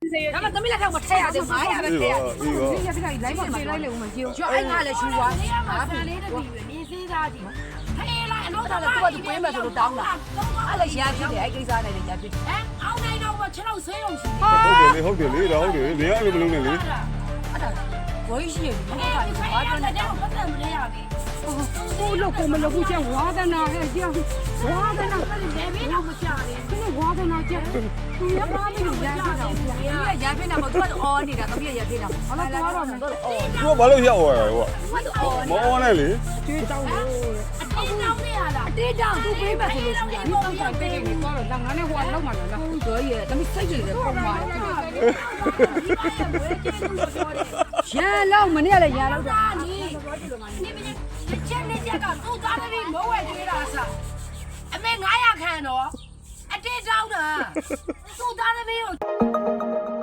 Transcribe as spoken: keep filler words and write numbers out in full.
咱们怎么来看我拆下的妈呀？这拆下的， 这些这个来嘛，来来我们就。 就爱俺来修啊。 啊，你的地缘，你谁家的？嘿啦，老咱这多就规模就当了。俺来先批的，还给啥来的先批？ 哎，熬那个我吃了水东西。 ဟုတ်တယ်လေဟုတ်တယ်လေဒါဟုတ်တယ်နေရလို့မလုံးနဲ့လေ我一些，我看你花着呢，我不怎么这样的。 我老公们老公讲挖在那，还讲挖在那， 那边那么下的， 可能挖在那讲，你要挖那个烟片了， 你也烟片了，我多熬你的，都别烟片了。 好了，挖到那个哦， သူကဘာလို့ရောက်သွားလဲကွာမအောနဲ့လေ对着我， 地上的呀啦， 队长都没办法了， 你刚才背给你搞了，让俺那挖老嘛了， 可以，咱们自己的好嘛。先老么的来烟了， 你你们前那些个都抓的比我外对了是，没俺也看着，哎，这找的，都抓的没有。